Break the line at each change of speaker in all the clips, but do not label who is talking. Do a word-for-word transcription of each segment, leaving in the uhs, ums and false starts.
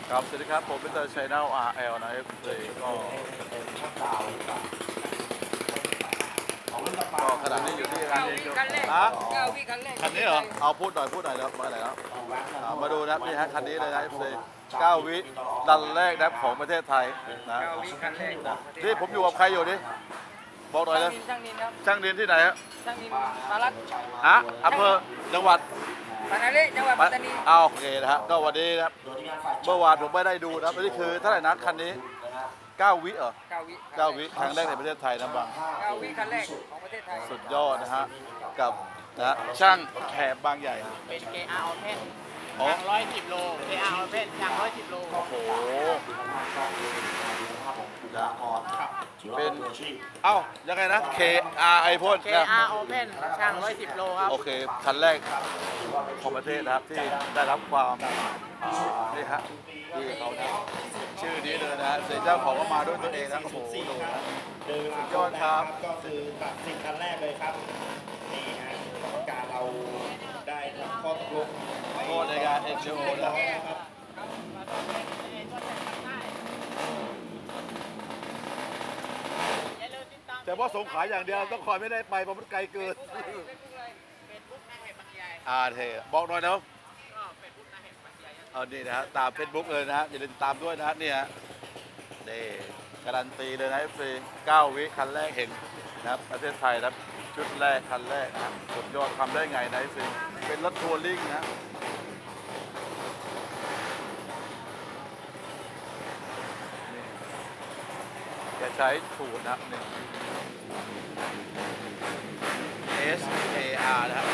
ครับสวัสดีครับผมเป็นเตอร์ชัยนา อาร์ แอล นะเอฟซีก็ก็ขณะนี้อยู่ที่ร้าน
เก้าวิคันแรก
ฮะ
เก้าวิคันแรก
คันนี้เหรอเอาพูดหน่อยพูดหน่อยนะครับมาไหนแล้วอ่ามาดูนะครับนี่ฮะคันนี้เลยนะเอฟซีเก้าวิดันแรกนะครับของประเทศไทยนะ
เก้าวิคันแรก
นี่ผมอยู่กับใครอยู่นี่บอกหน่อยนะ
ช่างนินครับ
ช่างเรียนที่ไหนฮะ
ช่างนินมารัต
ฮะอำเภอจังหวัด
ปานาเล่จังหวัดปัตตานี
เอาโอเคนะฮะก็วันนี้นะครับเมื่อวานผมไม่ได้ดูนะครับนี่คือเท่าไหร่นะคันนี้เก้าวิเหรอ
เก้าวิ
เก้าวิครั้งแรกในประเทศไทยนะบัง
เก้าวิคันแรกของประเทศไทย
สุดยอดนะฮะกับนะช่างแขบบางใหญ่
เป็น เค อาร์ Open
อ๋อ
ช่างร้อยสิบโล เค อาร์ Open ช่างร้อยสิบโล
โอ้โหนะเป็นเอ้ายังไงนะ K R ไอพ่น
เค อาร์ Open ช่างร้อยสิบโลครับ
โอเคคันแรกของประเทศนะครับที่ได้รับความอ่านี่ฮะที่เขาเนี่ยชื่อนี้เลยนะฮะเสียเจ้าของก็มาด้วยตัวเองนะโอ้โหดูนะ
เดิน
สุดยอดครับ
ก็คือตัดสินคันแรกเลยครับนี่ฮะกรรมการเราได้ทำข้อตกลง
โทษในการเอ็กซ์โอ
แล้
แล้ว ว
นะครับ
แต่ว่าสงขลาอย่างเดียวต้องคอยไม่ได้ไปเพราะมันไกลเกิน
เฟซบุ๊กนายเหตุบางใหญ่
อาเทบอกหน่อยนะ
ก็เฟซบุ๊กนายเหตุบางใหญ่
เอานี่นะฮะตามเฟซบุ๊กเลยนะฮะอย่าลืมตามด้วยนะฮะนี่ฮะนี่การันตีเลยนะฟรีเก้าวิคันแรกเห็นนะครับประเทศไทยนะครับชุดแรกคันแรกนะครับสุดยอดทำได้ไงนะฟรีเป็นรถทัวริ่งนะนี่แกใช้สูตรนะครับนี่ S A R นะครับ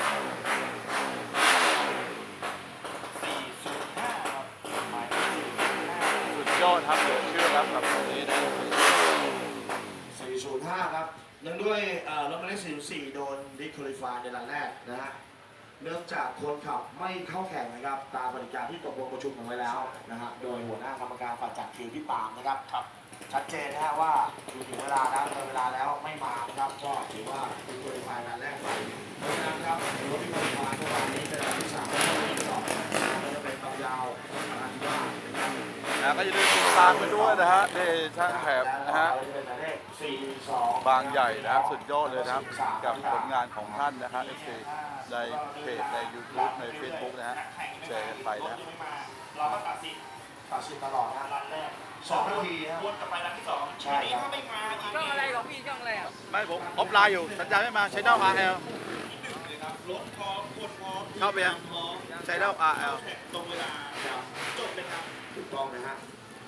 สี่ศูนย์ห้าครับหมายเลขสี่ศูนย์ห้า
สุดยอดครับเหลือเชื่อครับกับตรงนี้นะ
สี่ศูนย์ห้าครับเนื่องด้วยเอ่อรถหมายเลขสี่ศูนย์สี่โดนดิคอลิฟายในรันแรกนะฮะเนื่องจากคนขับไม่เข้าแข่งนะครับตามปฏิการที่ตกลงประชุมกันไว้แล้วนะฮะโดยหัวหน้ากรรมการฝ่ายจัดคิวที่ปามนะครับครับชัดเจนนะฮะว่าถึงเวลาแล้วเวลาแล้วไม่มานะครับก็ถือว่าดิคอลิฟายรันแรกไปเพราะฉะนั้นครับรถที่คอลิฟายเมื่อวานนี้เป็นรันที่สามและรันที่สองจะเป็นความยาวรันที่ว่านะครับ
นะก็อย่าลืมติดตามไปด้วยนะฮะนี่ช่างแถบนะฮะบางใหญ่นะครับสุดยอดเลยนะครับกับผลงานของท่านนะฮะเอฟซีในเพจใน YouTube ใน Facebook นะฮะแชร์กันไปนะ
เราก็ตัดสินตัดสินตลอดนะรันแรกสองนาทีนะวนกลับไปรันที่สองใช่ครับ
ช่องอะไรของพี่ช่องอะไรอ่ะ
ไม่ผมออฟไลน์อยู่สัญญาณไม่มาใช้ดาว อาร์ แอล
รถพร้อมคนพร้อม
เข้าไปยัง
พร้อม
ใช้ดาว อาร์ แอล
ตรงเวลาจบเลยครับถูกต้องนะฮะ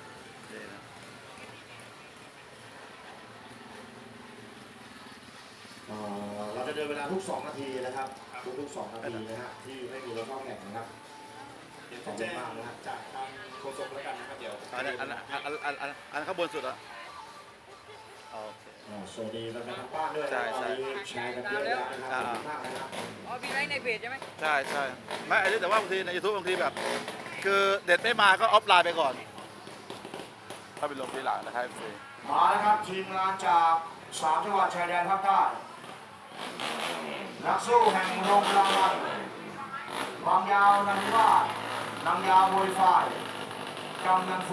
เอ่อเราจะเดินเวลาทุกสองนาทีนะครับทุกๆสองนาทีนะฮะที่ไม่มีรถเข้าแข่งนะครับขอบคุณมากนะฮะจากทางโฆษกแล้วกันนะครับเดี๋ยว
อันนั้นอันนั้นอันนั้นอันนั้นอันนั้นข้างบนสุดอ่ะโอเค
อ่าสวัสดีแฟนๆทางบ้านด้วย
ใช่ใช่
ตอนนี้แชร์กันเยอะแล้วนะครับขอบคุณมากนะครับ
อ๋อพี่ไลฟ์ในเพจใช่ไหม
ใช่ใช่ไม่อันนี้แต่ว่าบางทีใน YouTube บางทีแบบ คือเด็ดไม่มาก็ออฟไลน์ไปก่อน ถ้าเป็นลงทีหลังนะครับเอฟซี
มาแล้วครับทีมงานจากสามจังหวัดชายแดนภาคใต้นักสู้แห่งโรงรางวัลบางยาวนันวาดนางยาวมวยฝ่ายกำนันฟู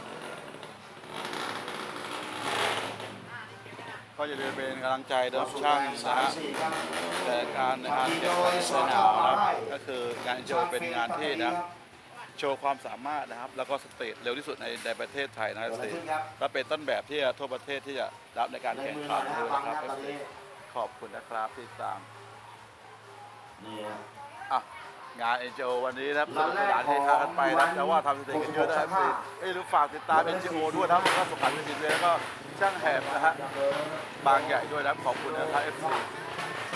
ก็อย่าลืมเป็นกำลังใจเดิมช่างนะฮะ
สี่ครับ
แต่การงานเก็บไว้สนามนะครับก็คืองานโชว์เป็นงานที่นะโชว์ความสามารถนะครับ แล้วก็สเตจเร็วที่สุดในในประเทศไทยนะครับ
เกิดอะไรขึ้นครับ
และเป็นต้นแบบที่จะทั่วประเทศที่จะรับในการ
ใน
แข่ง
มือห
ขั
น่อน ยนะ
ด้วย
บาง
นะค
นะ
รับ
ตอนนี้
ขอบคุณนะครับที่ตาม
นี่ฮะ
อ่ะงานเอ็นจีโอวันนี้นะครับสนุกสนานเฮฮากันไปนะแต่ว่าทำสเตจกันเยอะนะครับเอ้ยหรือฝากติดตามเอ็นจีโอด้วยนะครับแล้วก็สุขันต์วิจิตรแล้วก็ช่างแหบนะฮะบางใหญ่ด้วยนะครับขอบคุณนะครับเอฟซี